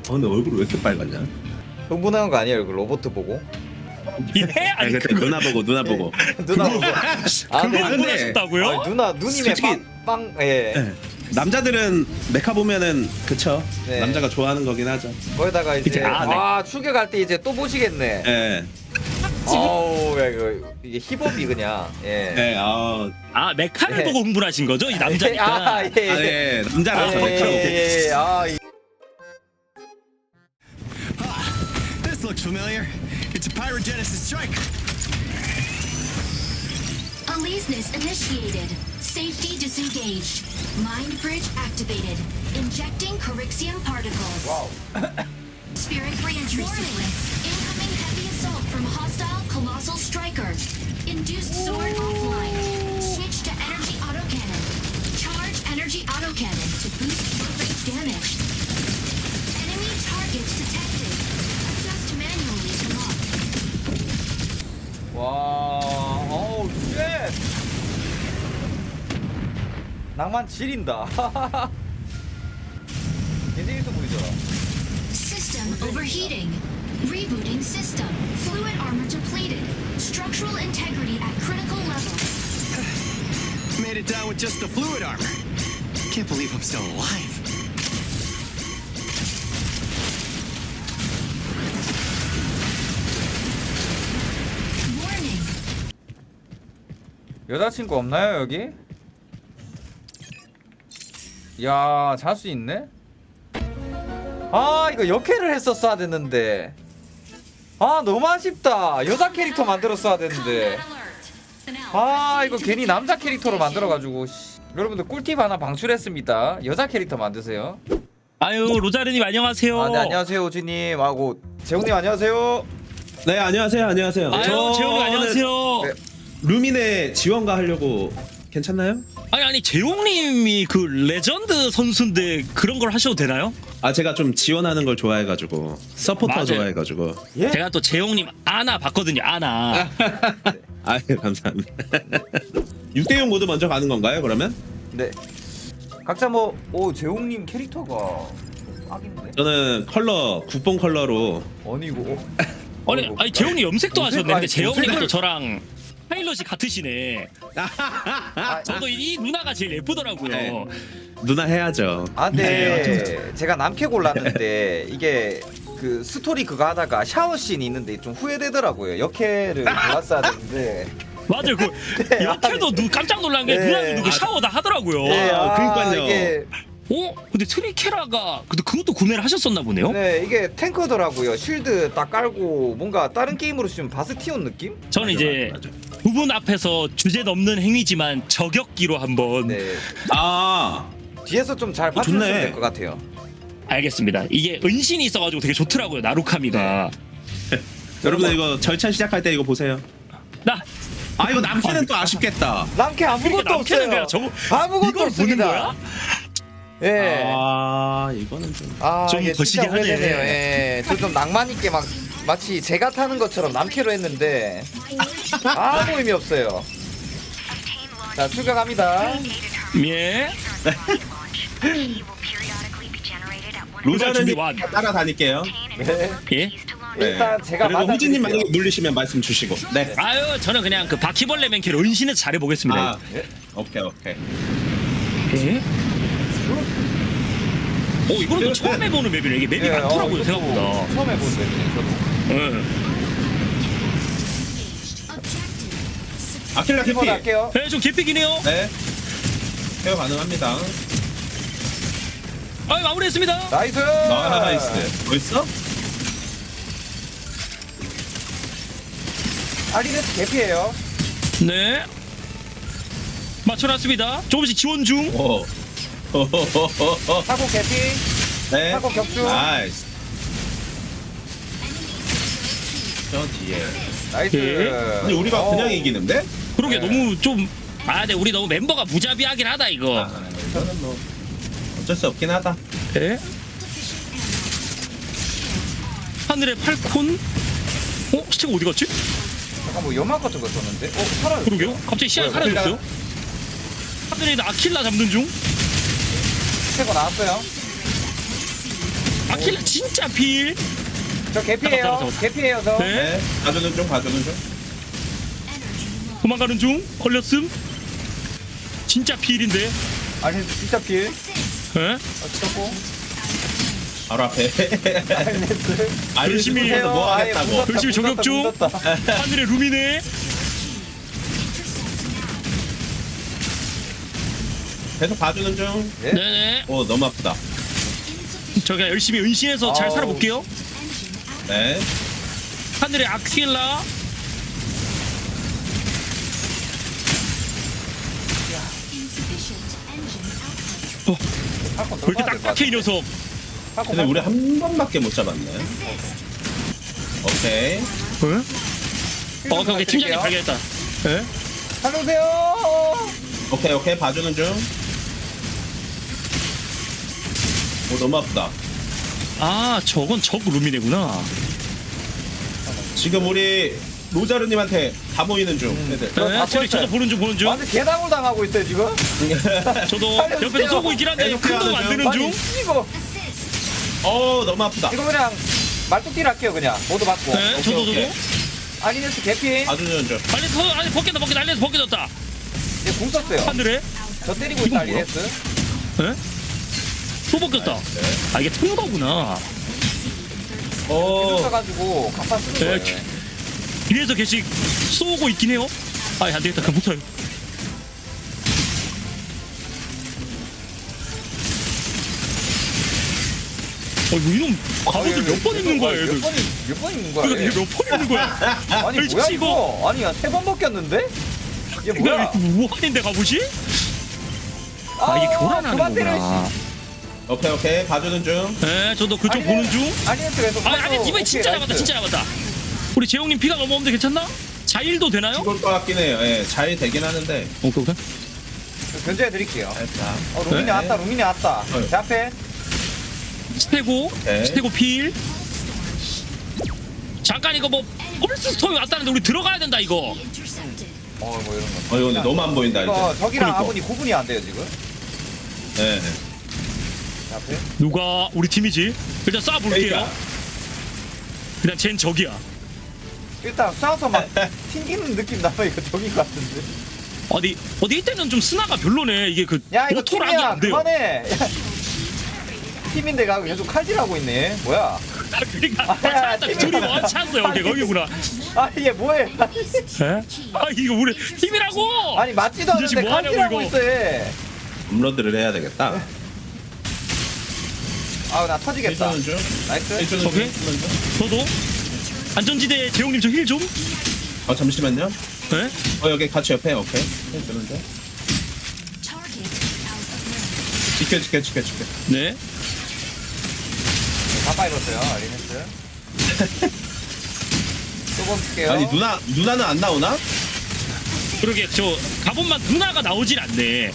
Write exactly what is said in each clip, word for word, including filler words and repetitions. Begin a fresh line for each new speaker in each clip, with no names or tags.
근데 얼굴이 왜 이렇게 빨갛냐?
흥분한 거 아니에요? 그 로봇 보고?
예?
아니
아니
그때
그거
누나 보고 누나 보고.
누나 보고. 아,
그걸
네.
흥분하셨다고요?
아, 누나 누님의
솔직히-
빵, 빵 예.
네. 남자들은 메카 보면은 그쵸.
네.
남자가 좋아하는 거긴 하죠.
거기다가 이제
이제, 아, 네.
아 출격할 때 이제 또 보시겠네.
예.
아우 야 이거 이게 힙업이 그냥 예.
예. 아,
아 메카를
네.
보고 흥분하신 거죠? 이 남자니까.
아, 예.
아, 예. 남자라서
예,
메카.
예, 예. 아, 이-
This looks familiar. It's a pyrogenesis strike.
Aleseness initiated. Safety disengaged. Mind bridge activated. Injecting Corixium particles.
와우.
Spirit reentry sequence. Incoming heavy assault from hostile colossal striker. Induced sword offline. Switch to energy autocannon. Charge energy autocannon to boost short range damage. Enemy targets detected. Adjust manually to lock.
와, 어우 쉣. 낭만 지린다. 굉장히 있어 보이죠?
System overheating. Rebooting system. Fluid armor depleted. Structural integrity at critical levels.
Made it down with just the fluid armor. Can't believe I'm still alive.
Warning.
여자친구 없나요 여기? 야, 잘 수 있네? 아, 이거 역캐를 했었어야 됐는데. 아, 너무 아쉽다. 여자 캐릭터 만들었어야 됐는데. 아, 이거 괜히 남자 캐릭터로 만들어가지고. 씨. 여러분들 꿀팁 하나 방출했습니다. 여자 캐릭터 만드세요.
아유 로자르님 안녕하세요.
아, 네, 안녕하세요, 오지님. 하고 재웅님 안녕하세요.
네, 안녕하세요. 안녕하세요.
아유
저는
재홍님 안녕하세요.
네.
루민의 지원가 하려고 괜찮나요?
아니 아니 재홍님이 그 레전드 선수인데 그런 걸 하셔도 되나요?
아, 제가 좀 지원하는 걸 좋아해가지고 서포터
맞아요.
좋아해가지고.
예?
제가 또 재홍님 아나 봤거든요. 아나.
아유, 감사합니다. 육 대 육 모드 먼저 가는 건가요, 그러면?
네. 각자 뭐, 오, 재웅님 캐릭터가 딱인데?
저는 컬러, 국뽕 컬러로.
아니, 이거.
아니 아니 재홍님 염색도
염색,
하셨네. 근데
아니,
재홍님도
염색을-
저랑 파일럿이 같으시네.
아,
저도 이 누나가 제일 예쁘더라고요.
네. 누나 해야죠.
아,
네,
근데 제가 남캐 골랐는데 이게 그 스토리 그거 하다가 샤워 씬 있는데 좀 후회되더라고요. 역캐를 골랐어야 되는데.
맞아요. 그
네,
역해도 누 깜짝 놀란 게
네.
누나도 그 샤워 다 하더라고요.
네,
아, 그러니까요.
이게
어? 근데 트리케라가 근데 그것도 구매를 하셨었나 보네요.
네, 이게 탱커더라고요. 쉴드 딱 깔고 뭔가 다른 게임으로 치면 바스티온 느낌?
저는 이제
맞아, 맞아.
두 분 앞에서 주제 넘는 행위지만 저격기로 한번
네.
아,
뒤에서 좀 잘
어,
봐주면
좋네.
될 것 같아요.
알겠습니다. 이게 은신이 있어가지고 되게 좋더라고요. 나루카미가.
여러분들 이거 절찬 시작할 때 이거 보세요.
나
아, 이거 남캐는 또 아쉽겠다.
남캐 아무것도
남캐는
없어요.
그냥 저거
아무것도
이걸 보는
없습니다.
거야?
예.
아, 이거는 좀.
아,
좀
이게
거시기
진짜
하네.
후회되네요. 예. 저 좀 낭만 있게 막 마치 제가 타는 것처럼 남캐로 했는데 아무 의미 없어요. 자, 출격합니다.
예.
로자르님
준비 완.
따라다닐게요.
네.
예.
일단 제가
그리고 호진님
맞아드릴게요.
만약에 물리시면 말씀 주시고. 네.
아유 저는 그냥 그 바퀴벌레 맨키로 은신을 잘해 보겠습니다.
아, 오케이, 오케이.
예. 오 이거는 또 처음 해보는 맵이네. 이게 맵이
예,
많더라고요
어,
생각보다.
처음 해보는 맵이네, 저도.
예.
아킬라
한번
캐피.
할게요.
네, 좀 개픽이네요.
네. 케어 가능합니다.
아 마무리했습니다.
나이스.
나이스. 벌써?
아리네스 개피예요.
네. 맞춰놨습니다. 조금씩 지원 중.
오.
사고 개피.
네.
사고 격주.
나이스. 저 뒤에.
나이스.
예.
근데 우리가
어.
그냥 이기는데?
그러게
네.
너무 좀. 아, 네 우리 너무 멤버가 무자비하긴 하다 이거.
아, 저는 뭐 어쩔 수 없긴 하다.
네. 하늘의 팔콘. 어 스티가 어디 갔지?
잠깐 뭐 연막 같은 거 썼는데? 어, 살아요.
그러게요. 갑자기 시야가
뭐야,
사라졌어요. 하늘에 있는 아킬라 잡는 중.
스테고 나왔어요.
아킬라 진짜 필.
저 개피해요.
잡아, 잡아, 잡아.
개피해요 저.
네.
네. 봐주는 중 봐주는 중.
도망가는 중. 걸렸음. 진짜 필인데.
아니 진짜 필.
예?
어, 찍었고.
바로 앞에.
알겠어요.
열심히 해서 뭐 하겠다고.
열심히 저격 중. 하늘의 루미네.
계속 봐주는 중.
네?
네네.
오 너무 아프다.
저가 열심히 은신해서 잘
아우.
살아볼게요.
네.
하늘의 아킬라.
Insufficient engine output.
어,
팔콘
왜 이렇게 딱딱해 이 녀석.
근데 우리 한 번밖에 못 잡았네. 오케이.
어, 오케이, 팀장님 발견했다. 예?
살려주세요.
오케이 오케이 봐주는 중. 오 너무 아프다.
아, 저건 적 루미네구나.
지금 우리 로자르님한테 다 모이는 중. 애들.
저
네,
다
저기 저도
쳤어요.
보는 중 보는 중.
완전 개당을 당하고 있어요 지금.
저도
살려주세요.
옆에서 쏘고 있긴 한데
계속
큰 도움 안 되는
아니
중.
이거
어 너무 아프다.
이거 그냥 말뚝질 할게요 그냥 모두 받고.
네,
오케이,
저도
오케이.
저도.
아니네스 개피.
봐주는 중.
빨리 서, 아니 벗겼다 벗겼다 알리에서 벗겨졌다.
얘 궁 썼어요.
하늘에.
저 때리고
이거
있다
뭐야?
알리네스.
예? 또 벗겼다. 아 이게 튼 거구나.
오.
써가지고 간판 쓰는
네,
거예요.
뒤에서 계속 쏘고 있긴 해요. 아, 안 되겠다. 그럼 못해요. 어, 이거 이놈 갑옷을 몇 번 입는 거야, 얘들.
몇 번이 몇번 입는 거야?
이거
얘?
몇번 입는 거야?
아니
아니,
뭐야
이거.
이거? 아니 세번 벗겼는데? 얘
이거
뭐야?
우한인데 갑옷이? 아, 이게 교란하는
그만 때려,
거구나.
오케이 오케이 봐주는 중.
네, 저도 그쪽
아니,
보는 중.
아니네스 계속.
아, 아니, 이번에 진짜 잡았다, 진짜 잡았다. 우리 재용님 피가 너무 없는데 괜찮나? 자일도 되나요?
죽을 것 같긴 해요. 예, 잘 되긴 하는데.
오케이, 오케이.
견제해 드릴게요.
살짝.
어 루민이
네.
왔다 루민이 왔다.
네.
제 앞에.
스테고,
네.
스테고 필. 잠깐 이거 뭐 폴스 스톰이 왔다는데 우리 들어가야 된다 이거.
Intercepted.
어 뭐 이런 거.
어 이거 근데 너무 안 보인다
이거
이제.
적이랑
그러니까.
아군이 구분이 안 돼요 지금.
예.
제 앞에.
누가 우리 팀이지? 일단 쏴 볼게요.
그러니까.
그냥 쟨 적이야.
일단 쏴서 막 튕기는 느낌 나요 이거 적인 것 같은데.
어디 어디 이때는 좀 스나가 별로네. 이게 그
야 이거
오토락이
팀이야
안 돼요.
그만해. 야, 팀인데 가고 계속 칼질하고 있네. 뭐야?
아, 그러니까
아,
찾았다.
팀이-
둘이 원차였어 여기 거기구나.
아 이게 뭐해?
에? 아 이거 우리 팀이라고.
아니 맞지도
이 자식
않는데
뭐 하냐고,
칼질하고
이거.
있어 얘.
업로드를 해야 되겠다.
아나 터지겠다.
해주는 중.
나이스.
해주는 중.
오케이.
해주는 중.
저도 안전지대 재용님 저 힐 좀.
어 잠시만요.
네?
어 여기 같이 옆에 오케이. 해주는 중.
Target out of range.
지켜 지켜 지켜 지켜.
네.
다 빠졌어요 아리네스. 또번 쓸게요.
아니 누나 누나는 안 나오나?
그러게 저 갑옷만 누나가 나오질 않네.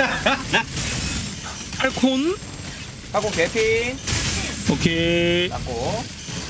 팔콘.
하고 개피.
오케이.
잡고.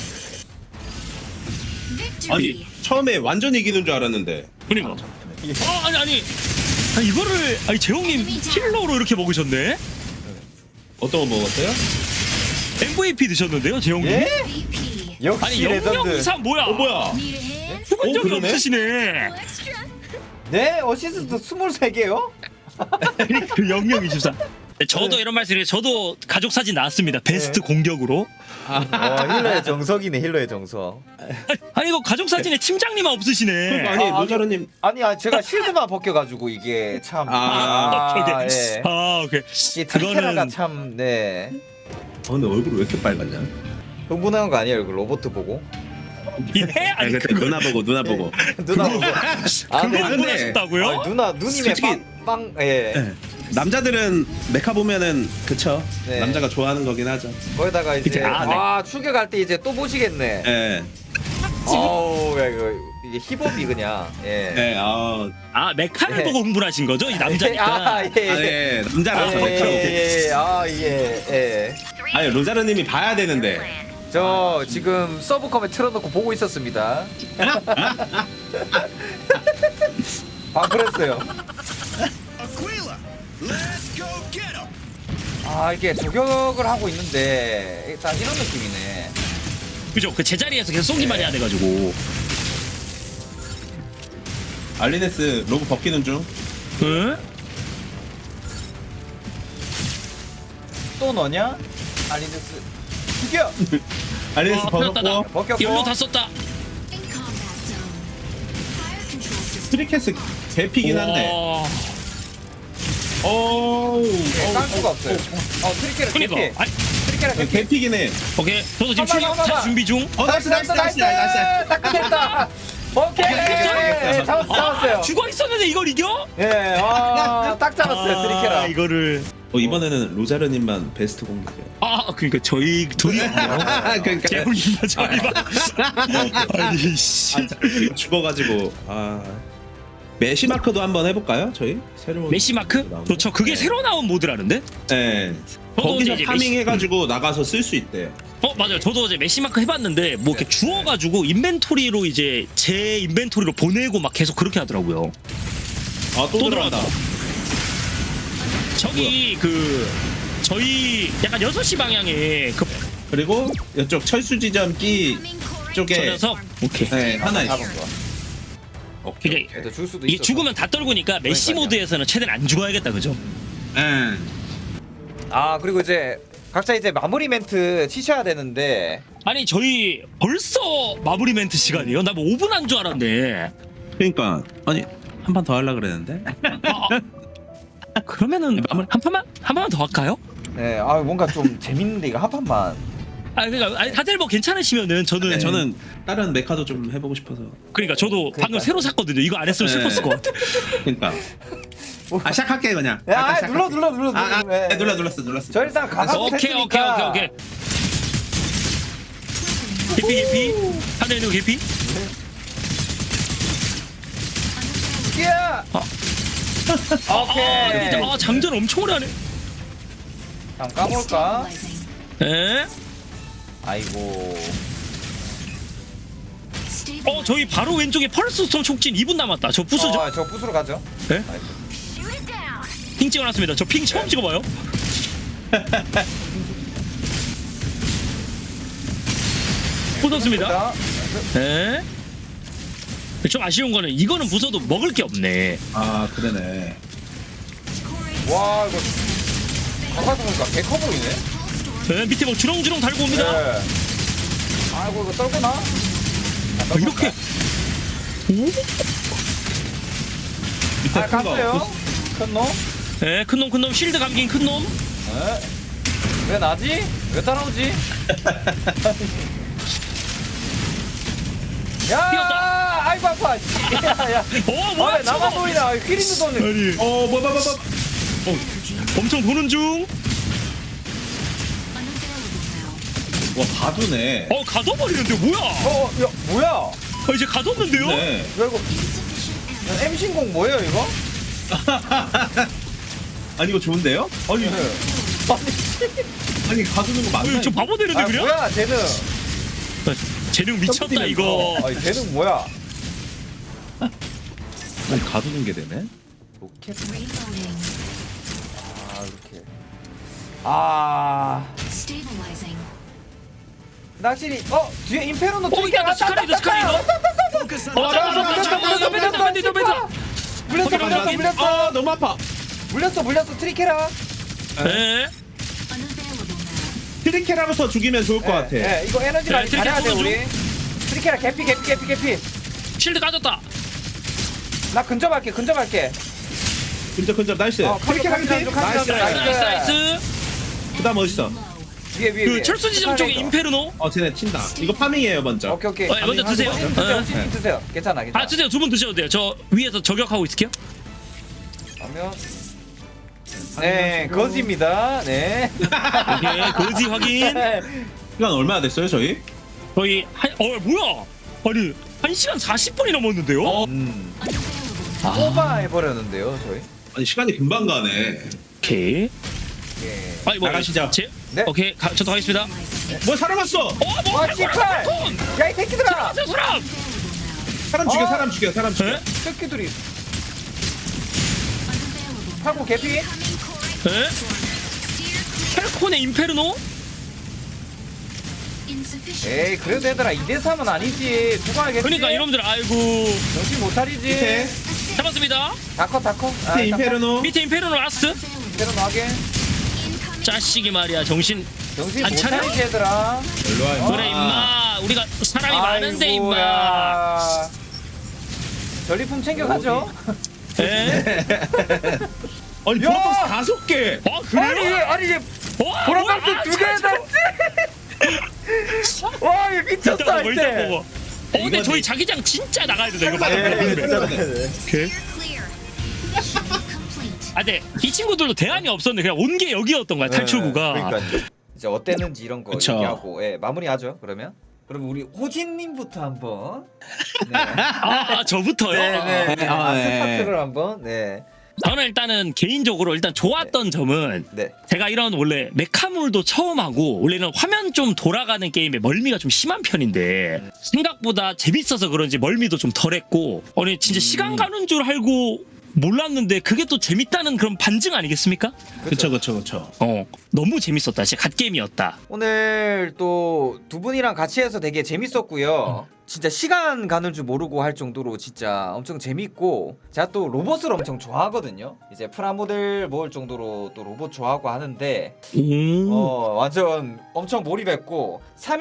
Victory.
아니 처음에 완전 이기는 줄 알았는데.
그러니까. 어 아니 아니. 아니 이거를 아니 재용님 킬러로 이렇게 먹으셨네.
어떤 거 먹었어요?
엠브이피 드셨는데요, 재용님?
예?
V P.
역시
아니 영영
레전드.
이상 뭐야?
어 뭐야?
Need a hand?
죽은
어,
적이
그러네?
없으시네.
Extra.
네 어시스트 스물세 개요?
그 영영 이십사. 저도 이런 말씀드려요. 저도 가족 사진 나왔습니다. 베스트
네.
공격으로.
어 힐러의 정석이네 힐러의 정석.
아니 이거 가족 사진에 팀장님만 없으시네.
아니
아,
로자르님
아니 아 제가 실드만 벗겨가지고 이게 참.
아,
오케이.
예.
아 오케이.
이게 트리케라가
그거는-
참 네.
어, 근데 얼굴이 왜 이렇게 빨갛냐?
흥분한 거 아니에요 그 로봇 보고.
예?
아니
아니
그때 누나 보고 누나 보고.
누나 보고. 아,
그걸
네.
흥분하셨다고요?
아, 누나 누님의
솔직히-
빵빵 예.
네. 남자들은 메카 보면은 그쵸.
네.
남자가 좋아하는 거긴 하죠.
거기다가 이제
그치, 아, 네.
아 출격할 때 이제 또 보시겠네.
예.
어우 야 이거 이게 힙업이 그냥 예.
예. 아,
아 메카를
예.
보고 흥분하신 거죠? 이 남자니까.
아, 예.
아, 예. 남자라서
예,
메카.
예, 예. 아, 예, 예.
아니 로자르님이 봐야 되는데.
저 지금 서브컴에 틀어놓고 보고 있었습니다. 방풀했어요.
Aquila, let's go get him.
아 이게 저격을 하고 있는데 일단 이런 느낌이네.
그죠? 그 제자리에서 계속 쏘기만 해야 돼가지고.
알리네스 로브 벗기는 중.
응?
또 너냐? 알리네스 죽여!
알리네스
와,
벗었고.
터졌다.
벗겼고.
열로 다 썼다.
In combat zone. Fire control system.
스트리캐스 개피긴 한데.
와.
어우.
네, 깔 수가 없어요. 어 트리케라
그니까.
개피.
아니,
트리케라 개피.
개피긴 해.
오케이. 저도 지금
한번,
출격
한번,
차
한번.
준비 중.
어 나이스 나이스 나이스 나이스.
딱 끝냈다. 오케이. 예, 잡았어, 잡았어요.
아, 죽어 있었는데 이걸 이겨?
예, 아, 딱 잡았어요, 트리케라.
아, 이거를.
어 이번에는 로자르님만 베스트 공격이야.
아, 그러니까 저희 둘이
그러니까
재훈이만 저희만. 아니 씨.
아, 자, 죽어가지고 아 메시 마크도 한번 해볼까요? 저희 새로운
메시 마크? 좋죠. 그게
네.
새로 나온 모드라는데?
네.
저도
거기서
이제
파밍
메시-
해가지고 나가서 쓸 수 있대.
어 맞아요. 저도 어제 메시 마크 해봤는데 뭐 이렇게 주워가지고 인벤토리로 이제 제 인벤토리로 보내고 막 계속 그렇게 하더라고요.
아또
또
들어간다.
저기 그 저희 약간 여섯 시 방향에 그
그리고 이쪽 철수 지점 끼
Incoming core
쪽에
저 녀석 오케이.
네 하나 있어.
잡은 거야.
이게
그래도 줄 수도
이게
있어.
죽으면 다 떨구니까 메시
그러니까요.
모드에서는 최대한 안 죽어야겠다 그죠?
네.
아, 그리고 이제 각자 이제 마무리 멘트 치셔야 되는데.
아니 저희 벌써 마무리 멘트 시간이에요? 나 뭐 오 분 한 줄 알았네.
그러니까 아니 한 판 더 하려 그랬는데.
아, 아. 그러면은 한 판만 한 판만 더 할까요?
네, 아 뭔가 좀 재밌는데 이거 한 판만.
아 그러니까 아니, 다들 뭐 괜찮으시면은 저는
네, 저는 다른 메카도 좀 해보고 싶어서.
그러니까 저도 방금
그러니까요.
새로 샀거든요. 이거 안 했으면
네.
슬펐을 것 같아.
그러니까. 아 시작할게 그냥.
야,
아까
아,
시작할게.
눌러 눌러 눌러 눌러.
아, 아
네.
네, 눌러 눌렀어 눌렀어.
저 일단 가서
오케이 오케이 오케이 오케이. 개피 개피 하늘 있는 거 개피.
야!
아. 아,
오케이.
근데 아 장전 엄청 오래 하네.
한번 까볼까?
stabilizing.
에?
아이고.
Stabilizing.
어 저희 바로 왼쪽에 펄스 스톰 촉진 이 분 남았다. 저 부수죠?
어, 저 부수로 가죠.
네?
아이고.
Shoot it down.
핑 찍어놨습니다. 저 핑 처음 찍어봐요. 부쉈습니다.
자,
에? 좀 아쉬운 거는 이거는 부숴도 먹을 게 없네.
아 그러네.
Core
와 이거 가까이서 보니까 개커 보이네.
에? 밑에 뭐 주렁주렁 달고 옵니다.
네. 아이고 이거 떨구나?
아, 이렇게
밑에
아
큰 거.
갔어요. 큰 놈.
에? 큰놈 큰놈 실드 감긴 큰놈.
네. 왜 나지? 왜 따라오지? 야!
뛰었다.
아이고 아파. 야, 야.
어 뭐야
아, 왜 나만
저거.
보이나? 휠 있는 돈을.
아니
어 뭐야 뭐야 뭐야.
엄청 도는 중.
unavailable now.
와 가두네.
어 가둬버리는데 뭐야?
어, 야, 뭐야?
어, 이제 가뒀는데요?
네.
야, 이거
Insufficient ammo.
엠신공 뭐예요, 이거?
아니 이거 좋은데요? 아니 아니 가두는 거
어,
맞나?
저
이거?
바보 되는데
아,
그냥?
뭐야, 쟤는.
재능 미쳤다 이거.
아니, 쟤는 뭐야?
아니 가두는 게 되네.
로켓.
Reloading.
아, 이렇게. 아.
Stabilizing.
낚시리. 어, 뒤에 인페로노
어 있다 스카리도 스카리도. 어 잠깐만 잠깐만 잠깐만 잠깐만 잠깐만.
물렸어, 물렸어, 물렸어.
아 너무 아파.
물렸어, 물렸어, 트리케라.
에?
Unavailable now.
트리케라부터 죽이면 좋을 것 같아.
예, 예, 이거 에너지
네,
많이
트리케라
잘해야 돼,
쏘는
우리. 트리케라 개피, 개피, 개피, 개피.
실드 까졌다.
나 근접할게, 근접할게.
근접 근접 나이스.
어,
트리케라
카드,
밑에.
카드, 카드,
나이스.
카드,
나이스
나이스.
나이스 나이스.
그다음 어딨어?
위에, 위에,
그
위에.
철수 지점 쪽에
스카이라이더.
인페르노.
어 쟤네 튄다. 이거 파밍이에요 먼저.
오케이, 오케이.
어, 먼저 드세요.
드세요,
어.
드세요, 드세요. 괜찮아, 괜찮아.
아 드세요. 두 분 드셔도 돼요. 저 위에서 저격하고 있을게요.
그러면 네, 거지입니다. 네.
오케이 거지 확인.
시간 얼마나 됐어요 저희?
거의 한어 뭐야? 아니 한 시간 사십 분이 넘었는데요?
어.
음.
Unavailable now.
아,
오바 해버렸는데요, 저희.
아니 시간이 금방 가네.
오케이.
예.
아니 뭐
나가시죠.
제,
네.
오케이 가, 저도 하겠습니다.
뭐 사람 왔어.
어 뭐?
와, 씨팔!
톤.
야, 이 새끼들아!
저 사람.
사람 죽여
어?
사람 죽여 사람 죽여.
에?
새끼들이
Unavailable.
팔고 개피?
Incoming core
에?
Steer
펠콘의 인페르노?
Insufficient.
에이 그래도 얘들아 이 대 삼은 아니지. 누가 알겠지?
그러니까 이놈들 아이고
정신 못 차리지.
밑에
잡았습니다.
다커 다커.
밑에 인페르노.
밑에 인페르노 라스트.
대로 나게.
Incoming.
짜식이 말이야 정신
정신
안
못
차려?
차리지 얘들아.
일로 와.
그래 임마 우리가 사람이 많은데 임마.
아이고야. 전리품 챙겨가죠.
에?
아니
야!
보라박스 다섯 개.
어
아니
그래요?
아니 얘
와,
보라박스
뭐야?
두 개 남지. 와얘 미쳤어
일단 먹어, 일단
할때.
먹어. 어 근데
이거지.
저희 자기장 진짜 나가야 된다 이거 맞아.
예,
오케이.
Clear. Mission complete.
아 근데 이 친구들도 대안이 없었는데 그냥 온 게 여기였던 거야 탈출구가.
그러니까요. 이제 어땠는지 이런 거
그쵸.
얘기하고 예, 마무리하죠. 그러면 그럼 우리 호진님부터 한번. 네.
아 저부터요.
네네. 네.
아,
아,
네.
스타트를 한번. 네.
저는 일단은 개인적으로 일단 좋았던 점은
네.
제가 이런 원래 메카물도 처음 하고 원래는 화면 좀 돌아가는 게임에 멀미가 좀 심한 편인데 생각보다 재밌어서 그런지 멀미도 좀 덜했고 아니 진짜 시간 가는 줄 알고 몰랐는데 그게 또 재밌다는 그런 반증 아니겠습니까?
그쵸 그쵸 그쵸.
어 너무 재밌었다 진짜 갓게임이었다.
오늘 또 두 분이랑 같이 해서 되게 재밌었고요. 진짜 시간 가는 줄 모르고 할 정도로 진짜 엄청 재밌고 제가 또 로봇을 엄청 좋아하거든요. 이제 프라모델 모을 정도로 또 로봇 좋아하고 하는데
오.
어 완전 엄청 몰입했고 삼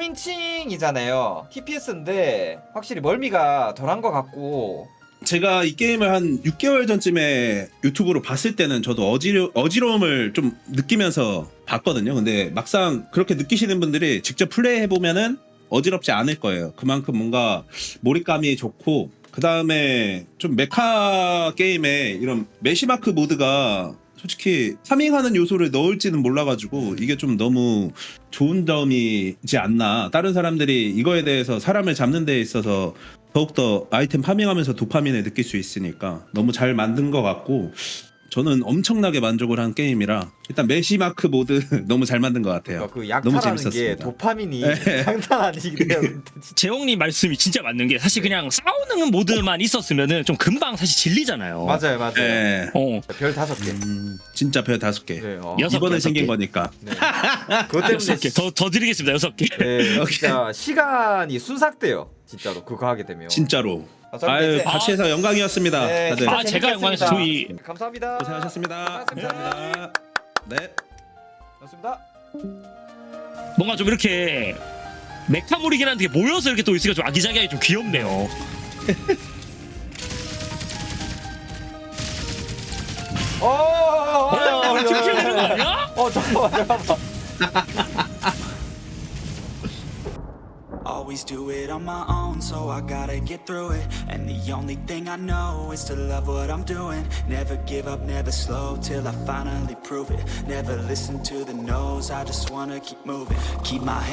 인칭이잖아요. 티피에스인데 확실히 멀미가 덜한 것 같고
제가 이 게임을 한 육 개월 전쯤에 유튜브로 봤을 때는 저도 어지러, 어지러움을 좀 느끼면서 봤거든요. 근데 막상 그렇게 느끼시는 분들이 직접 플레이해보면은 어지럽지 않을 거예요. 그만큼 뭔가 몰입감이 좋고 그 다음에 좀 메카 게임에 이런 메시마크 모드가 솔직히 파밍하는 요소를 넣을지는 몰라가지고 이게 좀 너무 좋은 점이지 않나. 다른 사람들이 이거에 대해서 사람을 잡는 데 있어서 더욱더 아이템 파밍하면서 도파민을 느낄 수 있으니까 너무 잘 만든 것 같고 저는 엄청나게 만족을 한 게임이라 일단 메시마크 모드 너무 잘 만든 것 같아요.
그
너무
약탈하는 게
재밌었습니다.
도파민이
네.
장난 아니기도 해요.
재홍님 말씀이 진짜 맞는 게 사실 그냥 싸우는 모드만 있었으면은 좀 금방 사실 질리잖아요.
맞아요, 맞아요.
네.
어
별 다섯 개.
음, 진짜 별 다섯 개.
네, 어.
여섯
이번에
개,
생긴
여섯 개.
거니까.
네. 그것 때문에
여섯 개. 더, 더 드리겠습니다 여섯 개.
네, 진짜 시간이 순삭돼요. 진짜로 그거 하게 되면.
진짜로.
아, 저는
아유
이제-
같이 해서 영광이었습니다.
네,
다들
진짜
아, 제가 영광이었어요. 저희-
재밌겠습니다. 감사합니다.
고생하셨습니다.
고생하셨습니다.
감사합니다. 네.
고맙습니다.
뭔가 좀 이렇게 메카몰이긴 한데 모여서 이렇게 또 있으니까 좀 아기자기하게 좀 귀엽네요.
어, 어, 어,
어,
어,
지금 되는 거 아니야?
어, 잠깐만, 잠깐만.
Always do it on my own, so I gotta get through it. And the only thing I know is to love what I'm doing. Never give up, never slow, till I finally prove it. Never listen to the no's, I just wanna keep moving. Keep my head